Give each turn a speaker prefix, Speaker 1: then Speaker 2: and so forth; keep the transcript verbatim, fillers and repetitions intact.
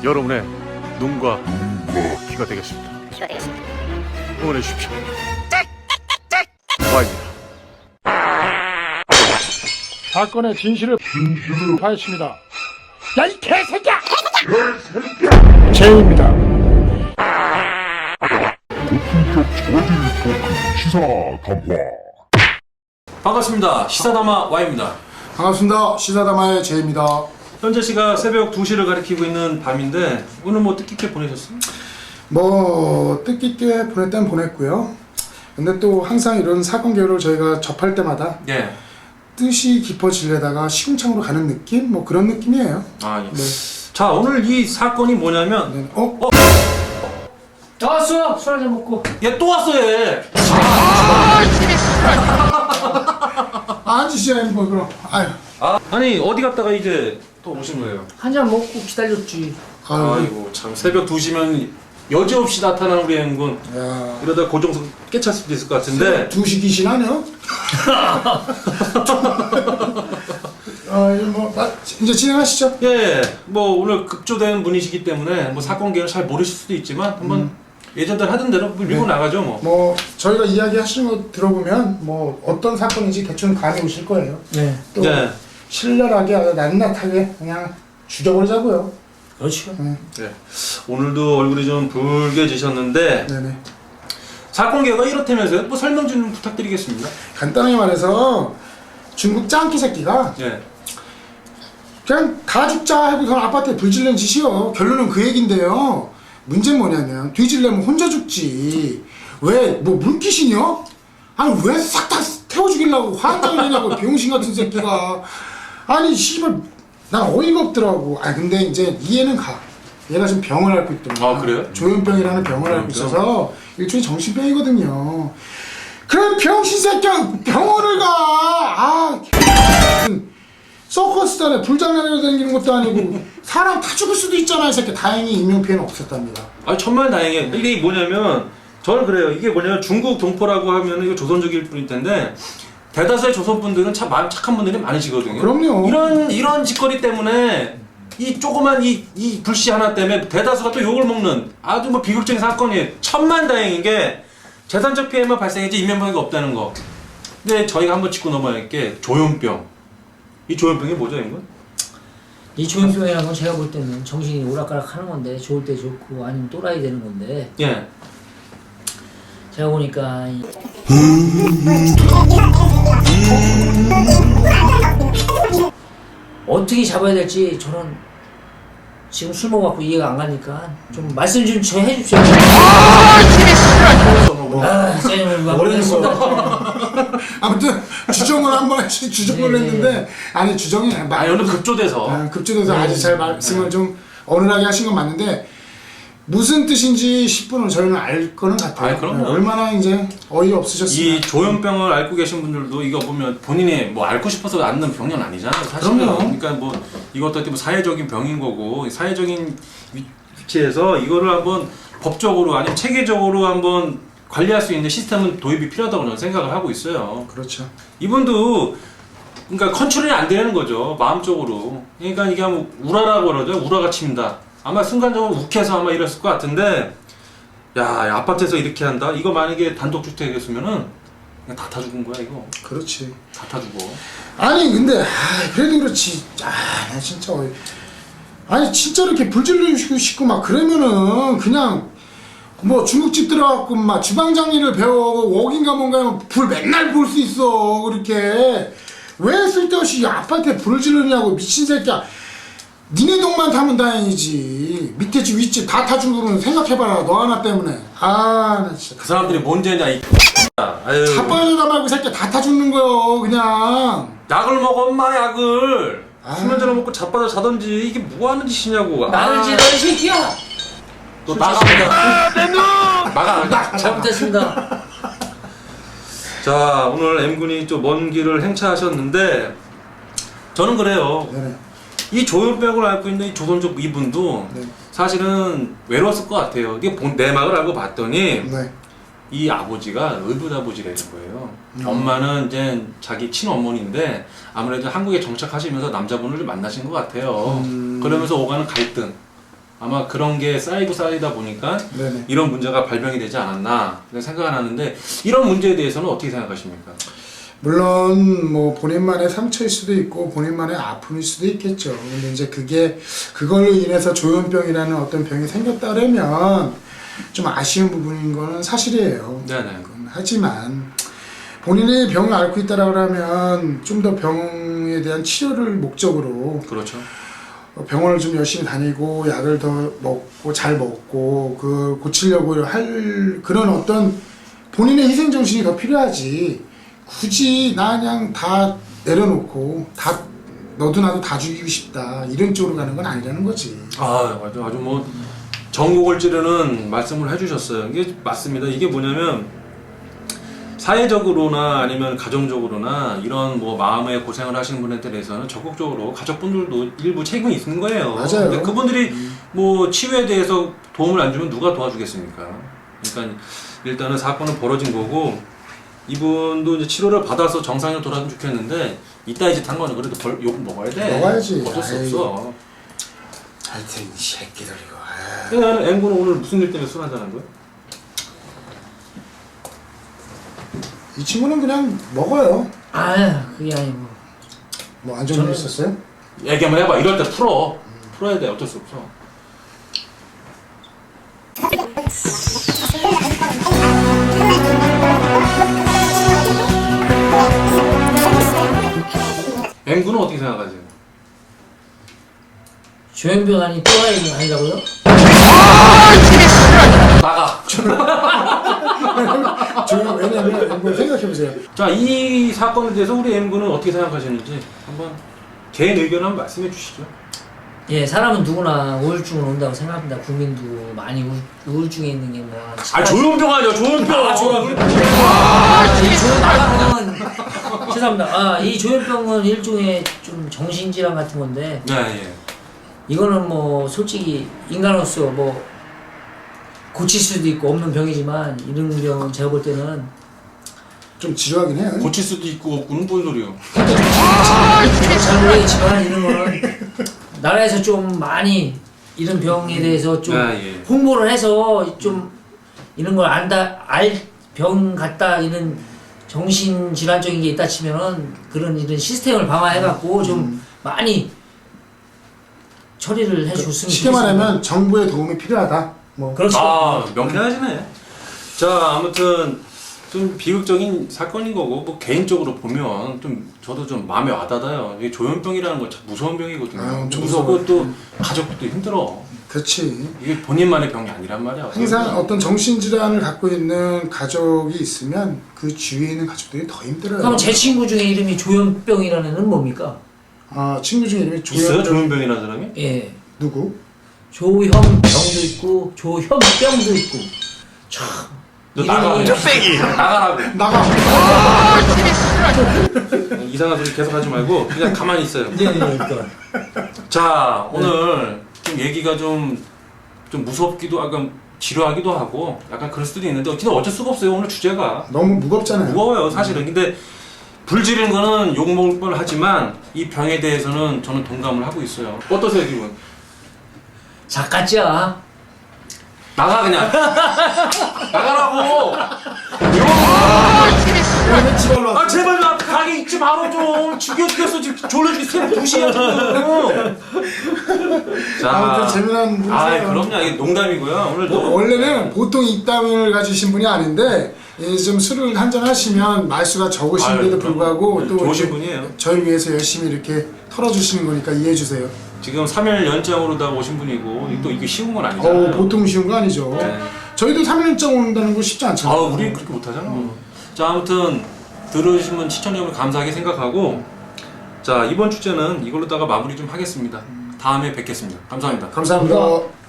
Speaker 1: 여러분의 눈과 귀가 되겠습니다.
Speaker 2: 귀가 되겠습니다.
Speaker 1: 응원해 주십시오. 와입니다.
Speaker 3: 사건의 진실을 파헤칩니다. 야, 이 개새끼야! 제이입니다.
Speaker 4: 시사 담화.
Speaker 5: 반갑습니다. 시사담화 Y입니다.
Speaker 6: 반갑습니다. 시사다마의 제이입니다.
Speaker 5: 현재 시각 새벽 두 시를 가리키고 있는 밤인데 오늘 뭐 뜻깊게 보내셨어요?
Speaker 6: 뭐 뜻깊게 보냈다면 보냈고요. 근데 또 항상 이런 사건 개요를 저희가 접할 때마다
Speaker 5: 예.
Speaker 6: 뜻이 깊어지려다가 시궁창으로 가는 느낌? 뭐 그런 느낌이에요.
Speaker 5: 아, 예.
Speaker 6: 네.
Speaker 5: 자, 오늘 이 사건이 뭐냐면
Speaker 6: 네. 어?
Speaker 5: 어?
Speaker 3: 다 왔어! 술 한잔 먹고.
Speaker 5: 얘 또 왔어 얘.
Speaker 6: 아, 앉으시죠, 뭐 그럼. 아유.
Speaker 5: 아, 아니 어디 갔다가 이제 또 오신 거예요?
Speaker 3: 한잔 먹고 기다렸지.
Speaker 6: 아유.
Speaker 5: 아이고 참 새벽 두 시면 여지없이 나타나는 우리 앵군.
Speaker 6: 야.
Speaker 5: 이러다 고정석 깨찰 수도 있을 것 같은데.
Speaker 6: 두 시 귀신하네요? 아, 이거 뭐, 마, 이제 진행하시죠.
Speaker 5: 예, 뭐 오늘 급조된 분이시기 때문에 뭐 사건 개요를 잘 모르실 수도 있지만 한번
Speaker 6: 음.
Speaker 5: 예전대로 하던 대로 밀고
Speaker 6: 네.
Speaker 5: 나가죠 뭐.
Speaker 6: 뭐, 저희가 이야기 하시는 거 들어보면, 뭐, 어떤 사건인지 대충 감이 오실 거예요.
Speaker 3: 네.
Speaker 6: 또,
Speaker 5: 네.
Speaker 6: 신랄하게, 아주 낱낱하게 그냥 죽여버리자고요.
Speaker 3: 그렇죠.
Speaker 6: 네.
Speaker 5: 네. 오늘도 얼굴이 좀 붉게지셨는데
Speaker 6: 네네.
Speaker 5: 사건 개요가 이렇다면서요? 뭐 설명 좀 부탁드리겠습니다.
Speaker 6: 간단하게 말해서, 중국 짱끼 새끼가
Speaker 5: 예.
Speaker 6: 그냥 다 죽자 하고 그냥 아파트에 불 지른 짓이요. 결론은 그 얘긴데요. 문제는 뭐냐면 뒤질려면 혼자 죽지. 왜? 뭐 물귀신이요? 아니 왜 싹 다 태워 죽이려고 화장을 내냐고 병신 같은 새끼가. 아니 씨발 난 어이가 없더라고. 아 근데 이제 이해는 가. 얘가 지금 병을 앓고 있더라고.
Speaker 5: 아, 그래요?
Speaker 6: 조현병이라는 병을 앓고 있어서 일종의 정신병이거든요. 그럼 병신 새끼야 병원을 가. 아 서커스단에 불장난으로 다니는 것도 아니고 사람 다 죽을 수도 있잖아. 이 새끼. 다행히 인명피해는 없었답니다.
Speaker 5: 아 천만 다행이에요. 이게 뭐냐면 저는 그래요. 이게 뭐냐면 중국 동포라고 하면 이거 조선족일 뿐일 텐데 대다수의 조선 분들은 참 마음 착한 분들이 많으시거든요.
Speaker 6: 그럼요.
Speaker 5: 이런 이런 짓거리 때문에 이 조그만 이 이 불씨 하나 때문에 대다수가 또 욕을 먹는 아주 뭐 비극적인 사건이에요. 천만 다행인 게 재산적 피해만 발생했지 인명피해가 없다는 거. 근데 저희가 한번 짚고 넘어야 할 게 조현병. 이 조현병이 뭐죠, 이건?
Speaker 3: 이 조현병이라는 건 제가 볼 때는 정신이 오락가락 하는 건데 좋을 때 좋고 아니면 또라이 되는 건데
Speaker 5: 예.
Speaker 3: 제가 보니까 이- 어떻게 잡아야 될지 저는 지금 술 먹어갖고 이해가 안 가니까 좀 말씀 좀 저 해주십시오. 아, 제가 모르겠습니다.
Speaker 6: 아무튼 주정을 한번 하시 주정을
Speaker 3: 네.
Speaker 6: 했는데 아니 주정이
Speaker 5: 아,
Speaker 6: 말
Speaker 5: 오늘 급조돼서.
Speaker 6: 아, 급조돼서
Speaker 3: 네.
Speaker 6: 아주 잘 말씀을 좀 어눌하게 하신 건 맞는데 무슨 뜻인지 십 분은 저희는 알 거는 같아요.
Speaker 5: 아이, 그럼요.
Speaker 6: 네, 얼마나 이제 어이 없으셨으면
Speaker 5: 이 조현병을 앓고 계신 분들도 이거 보면 본인이 뭐 앓고 싶어서 앓는 병은 아니잖아요, 사실은.
Speaker 6: 그럼요.
Speaker 5: 그러니까 뭐 이것도 어떻게 뭐 사회적인 병인 거고 사회적인 위- 위치에서 이거를 한번 법적으로 아니면 체계적으로 한번 관리할 수 있는 시스템은 도입이 필요하다고 저는 생각을 하고 있어요.
Speaker 6: 그렇죠.
Speaker 5: 이분도 그러니까 컨트롤이 안 되는 거죠, 마음적으로. 그러니까 이게 뭐 우라라고 그러죠, 우라가 침다. 아마 순간적으로 욱해서 아마 이랬을 것 같은데, 야, 아파트에서 이렇게 한다? 이거 만약에 단독주택이었으면은 그냥 다 타 죽은 거야, 이거.
Speaker 6: 그렇지.
Speaker 5: 다 타 죽어.
Speaker 6: 아니 근데 아, 그래도 그렇지. 아, 나 진짜 어이. 아니 진짜 이렇게 불질르시고 싶고 막 그러면은 그냥 뭐 중국집 들어가고 막 주방 장리를 배워 웍인가 뭔가 하면 불 맨날 볼 수 있어. 그렇게 왜 쓸데없이 아파트에 불을 지르냐고 미친 새끼야. 니네 동만 타면 다행이지. 밑에 집 윗집 다 타준 거는 생각해봐라. 너 하나 때문에. 아, 나 진짜.
Speaker 5: 그 사람들이 뭔 죄냐, 이 아유.
Speaker 6: 자빠져다 말고 이 새끼 다 타주는 거요. 그냥.
Speaker 5: 약을 먹어, 엄마, 약을.
Speaker 6: 아.
Speaker 5: 수면제를 먹고 자빠져 자던지, 이게 뭐 하는 짓이냐고.
Speaker 3: 나는
Speaker 5: 아,
Speaker 3: 지너 새끼야.
Speaker 5: 또 나갑니다. 나가, 나가.
Speaker 3: 잘못했습니다.
Speaker 5: 자, 오늘 M군이 좀 먼 길을 행차하셨는데, 저는 그래요.
Speaker 6: 네네.
Speaker 5: 이 조현병을 앓고 있는 이 조선족 이분도
Speaker 6: 네.
Speaker 5: 사실은 외로웠을 것 같아요. 이게 본- 내막을 알고 봤더니
Speaker 6: 네.
Speaker 5: 이 아버지가 의붓아버지라는 거예요.
Speaker 6: 음.
Speaker 5: 엄마는 이제 자기 친어머니인데 아무래도 한국에 정착하시면서 남자분을 좀 만나신 것 같아요.
Speaker 6: 음.
Speaker 5: 그러면서 오가는 갈등. 아마 그런 게 쌓이고 쌓이다 보니까
Speaker 6: 네네.
Speaker 5: 이런 문제가 발병이 되지 않았나 생각을 하는데 이런 문제에 대해서는 어떻게 생각하십니까?
Speaker 6: 물론 뭐 본인만의 상처일 수도 있고 본인만의 아픔일 수도 있겠죠. 근데 이제 그게 그걸로 인해서 조현병이라는 어떤 병이 생겼다면 좀 아쉬운 부분인 거는 사실이에요.
Speaker 5: 네네.
Speaker 6: 하지만 본인이 병을 앓고 있다라고 하면 좀 더 병에 대한 치료를 목적으로
Speaker 5: 그렇죠.
Speaker 6: 병원을 좀 열심히 다니고 약을 더 먹고 잘 먹고 그 고치려고 할 그런 어떤 본인의 희생 정신이 더 필요하지. 굳이 나 그냥 다 내려놓고 다 너도 나도 다 죽이고 싶다 이런 쪽으로 가는 건 아니라는 거지.
Speaker 5: 아 아주 아주 뭐 전곡을 찌르는 말씀을 해주셨어요. 이게 맞습니다. 이게 뭐냐면 사회적으로나 아니면 가정적으로나 이런 뭐 마음의 고생을 하시는 분한테 대해서는 적극적으로 가족분들도 일부 책임이 있는 거예요.
Speaker 6: 맞아요.
Speaker 5: 근데 그분들이
Speaker 6: 음.
Speaker 5: 뭐 치유에 대해서 도움을 안 주면 누가 도와주겠습니까? 그러니까 일단은 사건은 벌어진 거고 이분도 이제 치료를 받아서 정상으로 돌아가면 좋겠는데 이따 짓 한 거는 그래도 벌, 욕 먹어야 돼.
Speaker 6: 먹어야지.
Speaker 5: 어쩔 수
Speaker 6: 아이.
Speaker 5: 없어.
Speaker 6: 하여튼 이 새끼들 이거. 아.
Speaker 5: 그냥 앵구는 오늘 무슨 일 때문에 술 한잔한 거야?
Speaker 6: 이 친구는 그냥 먹어요.
Speaker 3: 아 그게 아니고
Speaker 6: 뭐 안 좋은 일
Speaker 3: 저는-
Speaker 6: 있었어요?
Speaker 5: 얘기 한번 해봐. 이럴 때 풀어. 풀어야 돼. 어쩔 수 없어. 앵구는 어떻게 생각하세요?
Speaker 3: 조현병 아니 또라이는 아니라고요?
Speaker 5: 나가.
Speaker 6: 저는 왜냐면 한번 생각해보세요.
Speaker 5: 자, 이 사건에 대해서 우리 앵구는 어떻게 생각하시는지 한번 개인 의견 한번 말씀해 주시죠.
Speaker 3: 예, 사람은 누구나 우울증은 온다고 생각합니다. 국민도 많이 우, 우울증에 있는 게 뭐.
Speaker 5: 아, 조현병 아니야, 조현병.
Speaker 3: 아, 조현병. 아, 이 조현병은 죄송합니다. 아, 이 조현병은 일종의 좀 정신질환 같은 건데
Speaker 5: 네, 예.
Speaker 3: 이거는 뭐 솔직히 인간으로서 뭐 고칠 수도 있고 없는 병이지만 이런 병은 제가 볼 때는
Speaker 6: 좀 지루하긴 해요.
Speaker 5: 고칠 수도 있고 없고는 뭔 소리요?
Speaker 3: 잘 모르겠지만 이런 거는 나라에서 좀 많이 이런 병에 대해서 좀
Speaker 5: 아, 예.
Speaker 3: 홍보를 해서 좀 이런 걸 안다 알 병 같다 이런 정신 질환적인 게 있다 치면은 그런 이런 시스템을 방화해 갖고 좀 많이 처리를 해 줬으면
Speaker 6: 쉽게 말하면 정부의 도움이 필요하다. 뭐
Speaker 3: 그렇죠.
Speaker 5: 아, 명쾌하시네. 자, 아무튼 좀 비극적인 사건인 거고 뭐 개인적으로 보면 좀 저도 좀 마음에 와닿아요. 이게 조현병이라는 건 참 무서운 병이거든요.
Speaker 6: 아, 엄청
Speaker 5: 무섭고
Speaker 6: 무서워요.
Speaker 5: 또 가족도 힘들어.
Speaker 6: 그렇지.
Speaker 5: 이게 본인만의 병이 아니란 말이야.
Speaker 6: 항상 어떤 정신질환을 갖고 있는 가족이 있으면 그 주위에 있는 가족들이 더 힘들어요.
Speaker 3: 그럼 제 친구 중에 이름이 조현병이라는 애는 뭡니까?
Speaker 6: 아 친구 중에 이름이
Speaker 5: 있어요?
Speaker 6: 조현
Speaker 5: 조현병이라는 사람이?
Speaker 3: 예.
Speaker 6: 누구?
Speaker 3: 조현병도 있고 조현병도 있고 참
Speaker 5: 너 나가.
Speaker 3: 이름이-
Speaker 5: 나가라고.
Speaker 6: 나가.
Speaker 5: 이상한 소리 계속 하지 말고 그냥 가만히 있어요.
Speaker 3: 네, 네, 그러니까.
Speaker 5: 자, 오늘 좀 얘기가 좀, 좀 무섭기도 하고 지루하기도 하고 약간 그럴 수도 있는데 근데 어쩔 수가 없어요. 오늘 주제가
Speaker 6: 너무 무겁잖아요.
Speaker 5: 무거워요 사실은. 근데 불 지르는 거는 욕먹을 뻔 하지만 이 병에 대해서는 저는 동감을 하고 있어요. 어떠세요 기분?
Speaker 3: 작가짜.
Speaker 5: 나가 그냥. 나가라고.
Speaker 6: 왜 집에 와?
Speaker 5: 아 제발 나 가게 있지 말어 좀. 죽여 죽였어 지금 졸려 죽겠어. 두 시야 지금.
Speaker 6: 아무튼 재미난 분이세요.
Speaker 5: 아 그럼요. 이게 농담이고요. 오늘
Speaker 6: 뭐,
Speaker 5: 또
Speaker 6: 원래는 보통 입담을 가지신 분이 아닌데 예, 좀 술을 한잔 하시면 말수가 적으신데도
Speaker 5: 아유,
Speaker 6: 불구하고
Speaker 5: 그럼.
Speaker 6: 또
Speaker 5: 좋으신
Speaker 6: 이렇게
Speaker 5: 분이에요.
Speaker 6: 저희 위해서 열심히 이렇게 털어주시는 거니까 이해해 주세요.
Speaker 5: 지금 삼 일 연장으로 다 오신 분이고 또 이게 쉬운 건 아니잖아요.
Speaker 6: 어 보통 쉬운 거 아니죠.
Speaker 5: 네.
Speaker 6: 저희도 삼 일장 온다는 거 쉽지
Speaker 5: 아,
Speaker 6: 않잖아요.
Speaker 5: 우리 그렇게 못하잖아. 자, 아무튼 들어주신 분 시청자 여러분 감사하게 생각하고 자 이번 주제는 이걸로다가 마무리 좀 하겠습니다. 다음에 뵙겠습니다. 감사합니다.
Speaker 6: 감사합니다.